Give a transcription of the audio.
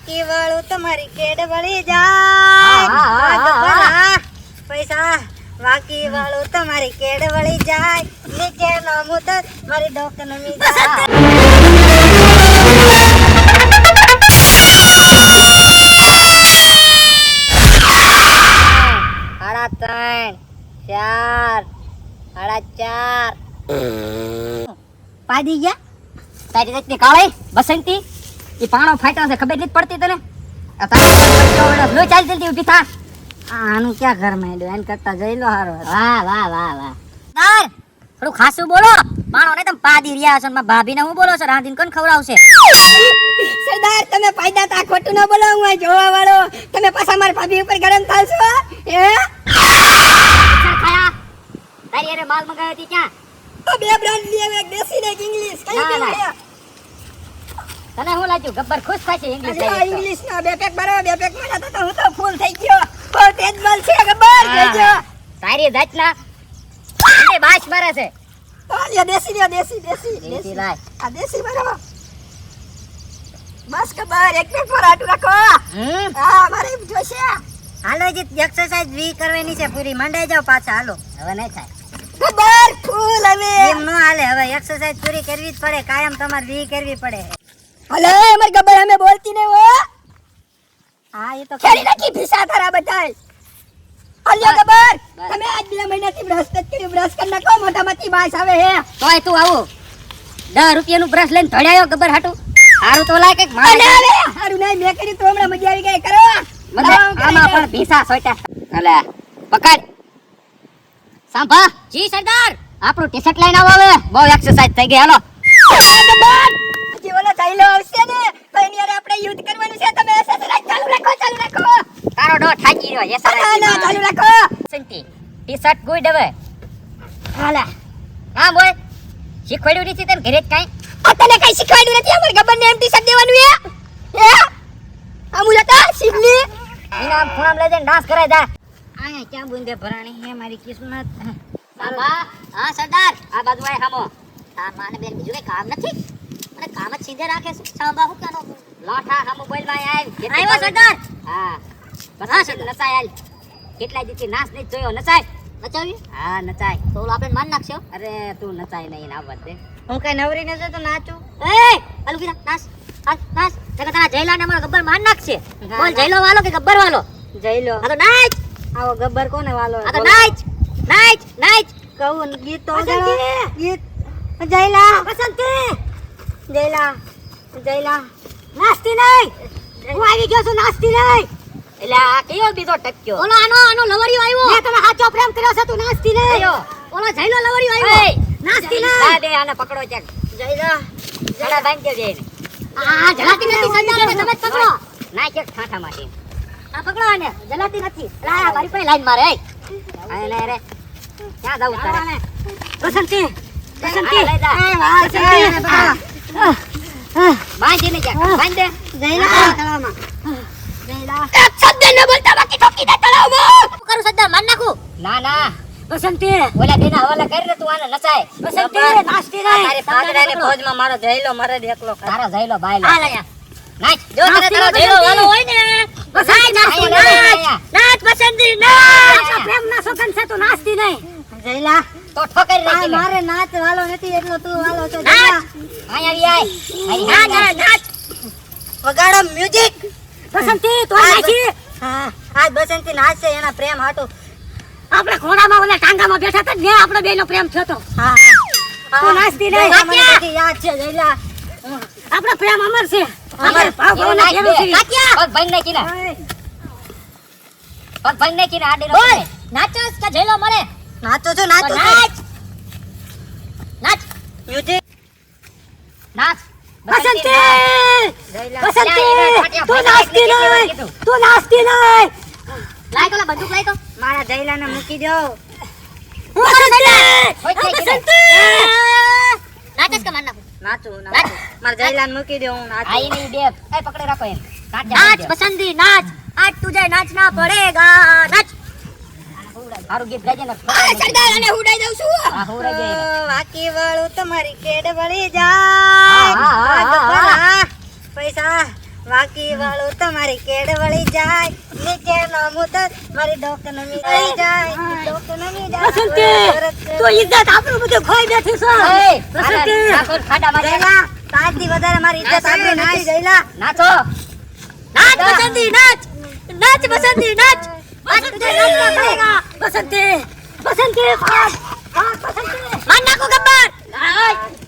વાકી વાળું તમારી કેડ વળી જાય પૈસા વાકી વાળું તમારી કેડ વળી જાય નીચે નામું તો મારી ડોક નમી જાય સાડા ત્રણ ચાર સાડા ચાર પાડી ગયા તારી રીતની કાળી બસંતી ઈ પાણો ફાટ્યો છે ખબર નથી પડતી તને આ તારા લો ચાલ જલ્દી ઊભી થા આનું ક્યાં ઘર માંડ્યો એન કરતા જઈ લો હારો વાહ વાહ વાહ વાહ દાર થોડું ખાસું બોલો પાણો ને તમે પાડી રહ્યા છો માં ભાભીને હું બોલો છો રાંધીને કોણ ખવડાવશે સરદાર તમે પાયદા તા ખોટું ન બોલો હું જોવા વાળો તમે પાછા મારી ભાભી ઉપર ગરમ થાલશો હે ખાયા તારી અરે માલ મંગાવ્યો હતી ક્યાં તો બે બ્રાન્ડ લીએ એક દેશી ને એક ઇંગ્લિશ કઈ કે તને હું લાગ્યું ગબ્બર ખુશ થાય છે ઇંગ્લિશ ઇંગ્લિશ ના બે પેક બરાબર બે પેક મળ્યા તો હું તો ફૂલ થઈ ગયો બહુ તેજ બલ છે ગબ્બર જોજો તારી જાતના એ બાશ મારે છે લ્યો દેશી લાય આ દેશી બરાબર બસ ગબ્બર એક પેક પર આટુ રાખો હા મારે જોશે હાલો જીત એક્સરસાઇઝ વી કરવાની છે પૂરી મંડાઈ જાવ પાછા હાલો હવે નહીં થાય ગબ્બર ફૂલ હવે એમ નો હાલે હવે એક્સરસાઇઝ પૂરી કરવી જ પડે કાયમ તમારે વી કરવી પડે હલે અમાર ગબ્બર અમે બોલતી નહી હો હા એ તો ખેડી નાખી ભીસા તારા બધાય હલ્યો ગબ્બર તમે આજ 2 મહિનાથી બ્રશ નથી કર્યું બ્રશ કર નાખો મોઢામાંથી બાસ આવે હે તોય તું આવો 10 રૂપિયાનું બ્રશ લઈને ધડાયો ગબ્બર હાટુ હારું તો લાય કઈક મારે આવે હારું નહીં મે કરી તો હમણાં મજા આવી ગઈ કરો આમાં પણ ભીસા સોટા હલે પકડ સાંભા જી સરદાર આપણું ટી-શર્ટ લઈને આવો હવે બહુ એક્સરસાઇઝ થઈ ગઈ હાલો ગબ્બર ઓલો ચાઈલો આવશે ને તો એની હારે આપણે યુદ્ધ કરવાનું છે તમે એસએસઆઈ ચાલુ રાખો તારો ડો ઠાકી રહ્યો એસએસઆઈ ના ચાલુ રાખો સંતી ટી-શર્ટ ગુડ હવે હાલા હા બોલ શીખવાડ્યું નથી તને ઘરે જ કાઈ તને કઈ શીખવાડ્યું નથી અમાર ગબ્બર ને એમ ટી-શર્ટ દેવાનું હે અમુલતા શિવલી એના ફોન લઈ જઈને ડાન્સ કરાય જા આયા ક્યાં બુંદે ભરાણી હે મારી કિસ્મત સાબા હા સરદાર આ બાજુ આય હામો તાર માને બેન બીજું કઈ કામ નથી અને કામ જ સીધે રાખે છે સાંભા હું કાનો લોઠા હમ મોબાઈલ માં આવ્યો સરદાર હા બસ નચાય આલ કેટલા દીથી નાચ નહીં જોયો નચાય નચાવી હા નચાય તો આપણે માન નાખશો અરે તું નચાય નહીં આવત દે હું કઈ નવરી ન તો નાચું એ આલુ કીધા નાચ હાલ નાચ જગા તારા જયલા ને અમારો ગબ્બર માન નાખશે બોલ જયલો વાલો કે ગબ્બર વાલો જયલો આ તો નાચ આવો ગબ્બર કોને વાલો આ તો નાચ નાચ નાચ કહું ગીત તો ગીત જયલા બસંતી જયલા જયલા નાસ્તી નહીં હું આવી ગયો છું નાસ્તી નહીં એટલે આ કયો બીજો ટક્યો ઓલો આનો લવરિયો આવ્યો મેં તને સાચો પ્રેમ કર્યો છે તું નાસ્તી નહીં ઓલો જયલો લવરિયો આવ્યો નાસ્તી નહીં આ દે આને પકડો ચેક જયલા જડા બાંધજો દે આ જલાતી નથી સરદાર તમે પકડો ના ચેક ઠાઠા માટી આ પકડો આને જલાતી નથી આ મારી પાસે લાઈન મારે આ લે રે ક્યાં જાવ તારે બસંતી બસંતી એ વાહ બસંતી બાંધી ને જા બાંધ દે જયલા તળાવમાં જયલા એક શબ્દ ન બોલતા બાકી ઠોકી દે તળાવમાં કરું સરદાર માર નાખું ના ના બસંતી ઓલા દેના હવાલા કરી દે તું આને નચાય બસંતી નાસ્તી નહીં તારે પાગડાને ફોજમાં મારો જયલો મારે એકલો તારો જયલો બાયલો આ લે નાચ જો તને તારો જયલો વાલો હોય ને બસાય નાચ નાચ બસંતી નાચ પ્રેમ ના સોગન છે તું નાસ્તી નહીં જયલા તો ઠોકરી રાખી મારે નાચ વાલો નથી એટલો તું વાલો છો જયલા આય આવી આય ના નાચ વગાડો મ્યુઝિક બસંતી તો નાચી હા આજ બસંતી નાચશે એના પ્રેમ હાટુ આપણે ઘોડામાં ઓલા ટાંગામાં બેઠા હતા ને આપણો બેનો પ્રેમ થયો તો હા તો નાચતી નહીં મને બધી યાદ છે જયલા આપણો પ્રેમ અમર છે અમર ભાવના કેવું છે કાક્યા પગ ભાઈ નાખી ના પગ ભાઈ નાખી ના આડે બોલ નાચસ કે જયલો મળે નાચો છો નાચો નાચ નાચ મ્યુઝિક નાચ બસંતી બસંતી તું નાચતી નહીં લાય કોલા બંદૂક લાય તો મારા જયલાને મૂકી દો બસંતી નાચસ કે માર નાખું નાચું મારા જયલાને મૂકી દો હું નાચું આઈ નહીં દે એ પકડે રાખો એમ નાચ બસંતી નાચ આજ તુજે નાચના પડેગા નાચ હારું ગીત ગાજે ને સરદાર અને ઉડાઈ દઉં છું હા ઉડાઈ દે વાકી વાળું તમારી કેડ વળી જાય પૈસા વાકી વાળું તો મારી કેડ વળી જાય, નીચે નો મુતર મારી ડોક નમી જાય, ડોક નમી જાય. બસંતી, તું ઇજ્જત આપણું બધું ખોઈ બેઠી છો. બસંતી, ખાડા મારે તાજથી વધારે મારી ઇજ્જત આપણે નથી જઈલા. નાચો. નાચ બસંતી, નાચ. નાચ બસંતી, નાચ. બસંતી નાચના પડેગા. બસંતી, બસંતી, ભાગ, ભાગ બસંતી. માર નાખો ગબ્બર.